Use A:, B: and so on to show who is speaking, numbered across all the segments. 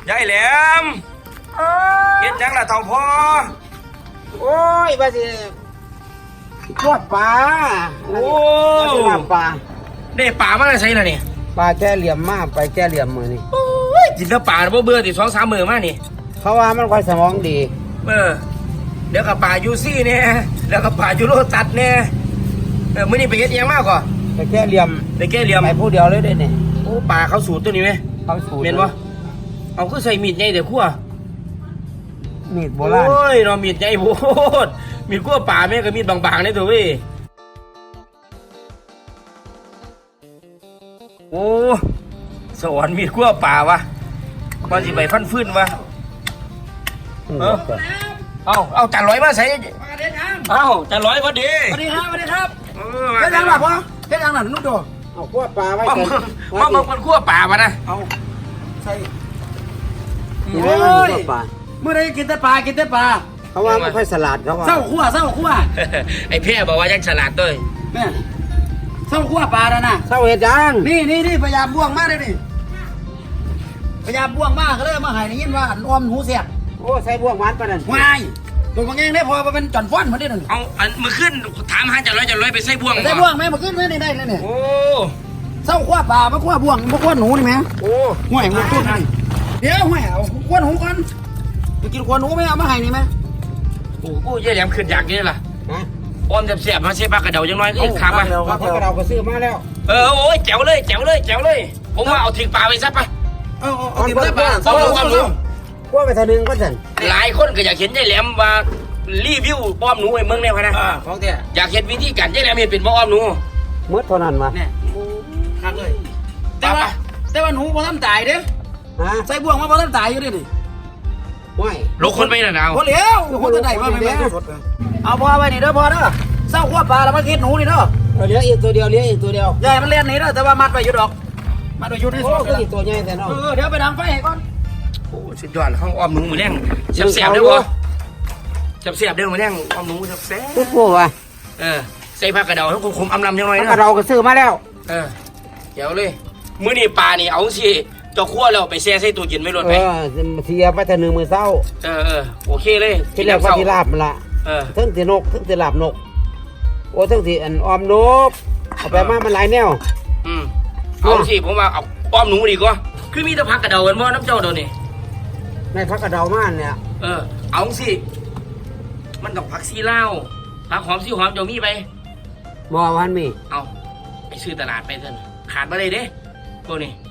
A: ยายแหลมเฮ็ดจังล่ะเฒ่าพ่อ
B: โอ้ยบาสิทอดปลา
A: โอ้
B: ลาบปลา
A: ได้ปลามาได้ใส่ล่ะนี่
B: ปลาแก้เหลี่ยมมากไปแก้เหลี่ยมมือนี่
A: กินแล้วปลาบ่เบื่อติ2-3 มื้อมานี่
B: เขาว่ามันค่อยสมองดี
A: เดี๋ยวกับปลายูซี่เนี่ยแล้วกับปลายูโรตัดเนี่ยมื้อนี้ไปเฮ็ดยังมากก่อ
B: ไปแก้เหลี่ยมไปผู้เดียวเลยได้เนี่ย
A: โอ้ปลาเขาสูตรตัวนี้ไหม
B: เขาสูตร
A: เห็นบ่เอาคือใส่มีดใหญ่แต่คั่ว
B: มีดโบราณ
A: โอ้ยเรามีดใหญ่โพดมีดคั่วปลาแม่ก็มีดบางๆนี่ตัวเว้ยโอ้สวรรค์มีดคั่วปลาวะมันสิไปฟันฟื้นวะเอาจานร้อยมาใส่เอาจานร้อยพอดี
B: สวัสดีครับเฮ็ดยังล่ะพ่อเฮ็ดยังล่ะนุ่มโตเอาคั่วปลาไว้ก่อน
A: มาคนคั่วปลามานะ
B: เอาใส่โอ้ยเมื่อไรกินแต่ปลาเขาว่าไม่ค่อยสลัดเขาว่าเศร้าคั่ว
A: ไอ้เพี้ยบอกว่ายังฉลาดด้วย
B: แม่เศร้าคั่วปลาแล้วนะเศร้าเห็ดยังนี่พยายามบ่วงมากเลยนี่พยายามบ่วงมากก็เลยมาให้ได้ยินว่าอ้อมหูเสียบโอ้ใส่บ่วงหวานปะนั่นวายตัวบางแง่ได้พอมาเป็นจอนฟ้อนมาได้หนึ่ง
A: เอามือขึ้นถามหาจะร้อยไปใส่บ่วง
B: แม่มาขึ้นไม่ได้เลยเนี่ย
A: โอ้
B: เศร้าคั่วปลามาคั่วบ่วงมาคั่วหนูนี่แม่
A: โอ้
B: ห่วยมันตุ้นนี่เดี๋ยวห่วยเอาคั่วหนูก่อนไปกินคั่วหนูไม่เอามาให้นี่ไหม
A: โอ้ยแหลมขึ้นอยากนี่ล่ะอ้อมเสียบมาเสียบปากกระเดายังน้อยก็อีกขามา
B: ปากกระเดาก็ซื้อมาแล้ว
A: โอ้ยแจ๋วเลยผมว่าเอาทิ้งปลาไปซะปะ
B: เอาทิ้งปลาคั่วไปทีนึงก็เสร็จ
A: หลายคนก็อยากเห็นยายแหลมว่ารีวิวป้อมหนูไอ้เมืองเนี่ยพะนะ
B: ของเตี้ย
A: อยากเห็นวิธีการยายแหลมเห็นเป็นป้อมหนู
B: เมื่อเท่านั้นมา
A: เนี่ย
B: คักเลยแต่ว่าหนูพอทำตายเด้ใส่บ่วงมาพอทำตายอยู่ดิห่วย
A: ลกคนไปนะดาว
B: พอเลี้ยวคนจะได้ว่าไม่แม่เอาพอไปนี่เด้อพอเด้อเศร้าขั้วปลาแล้วมากินหนูนี่เด้อเลี้ยงอีกตัวเดียวใหญ่มันเลี้ยงนี่เด้อแต่ว่ามัดไปอยู่ดอกมัดไปอยู่ในโซ่ก็อีกตัวใหญ่แต่เนาะเดี๋ยวไปดังไฟให้ก่อน
A: โอ้สุดยอดเขาอ้อมหนูมือแรงเสียบได้บ่เสียบได้มือแรงอ้อมหนูแซ่บ
B: ปุ๊บปุ๊บว่ะ
A: ใส่ผักกระเดาให้คมอำลำยังไงนะ
B: ผักกระเดาก็ซื้อมาแล้ว
A: เดี๋ยวเลยมื้อนี้ปลานี่เอาสิเจ้าคั่วแล้วไปแช่ใส่ตู้เย็นไว้รถไป
B: เสียไปแต่1 มื้อเช้า
A: โอเคเลย
B: ที่แล้วก็ที่ลาบมันละทั้งที่นกทั้งที่ลาบนกโอ้ทั้งที่ออมนกเอาไปมามันหลายแนว
A: เอาสิผมว่าเอาอ้อมหนูดีกว่าคือมีแต่ผักกระเดากันบ่น้ำเจ้าเดี๋ยวนี้
B: ในผักกระเดามากเนี่ย
A: เอาสิมันต้องผักซีลาวผักหอมซีหอมเจ้ามีไป
B: บ่วันมี
A: เอาไปซื้อตลาดไปเถอะขาดมาเลยเด้พวกนี้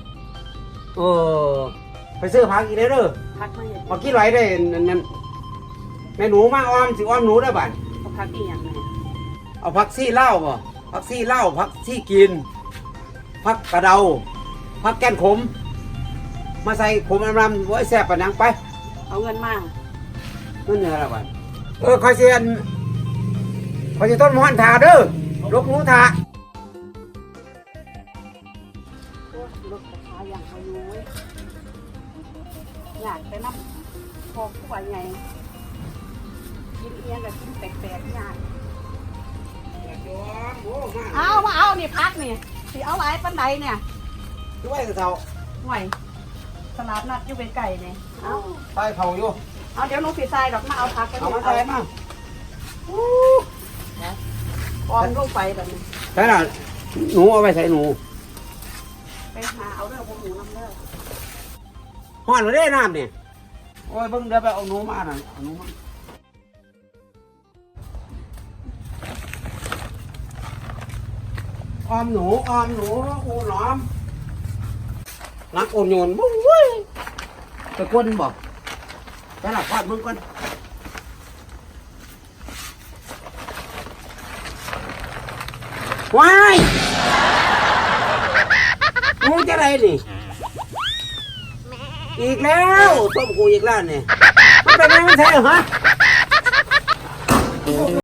B: ไปซื้อผักอีกเด้อผักกี่ไรได้นั่นแม่หนูมาอ้อมสิอ้อมหนูได้บ้าน
C: ผักอีหยังไง
B: เอาผักซี่เล่าป่ะผักซี่เล่าผักซี่กินผักกระเดาผักแก้นขมมาใส่ขมรำไว้แซ่บปะนังไป
C: เอาเงินมา
B: เงินอะไรบ้านคอยเสียนคอยจะต้นมอนถาเด้อลูกหนูถา
C: อยากไปน้ำพอผู้ใหญ่ไงกินเอียงกับกินแปลกๆยากเอานี่พักนี่สิเอาหลายปันใดเนี่ย
B: ด้วยกับเขา
C: ห่วยสลัดนัดอยู่เป็นไก่เนี่ยเอา
B: ไปเขาอยู่
C: เอาเดี๋ยวหนูผิดใจดอกมาเอาพักกัน
B: เอามาใส่มา
C: ออมลงไปแบบนี้
B: ใช่หรอหนูเอาไปใส่หนู
C: ไปหาเอาเรื่องพวกหนูน้ำเด้อ
B: ห่อนมาได้น้ำเนี่ยโอ้ยเพิ่งเดี๋ยวไปเอาหนูมาหน่อยเอาหนูมาออมหนูอูหนอมรักโอนโยนบุ้งเว้ยไปก้นบอกไปหลับพอดมึงก่อนว้ายงูจะอะไรนี่อีกแล้วต้มกูอีกแล้วเนี่ยมันเป็นไงมันแท้เหรอฮะ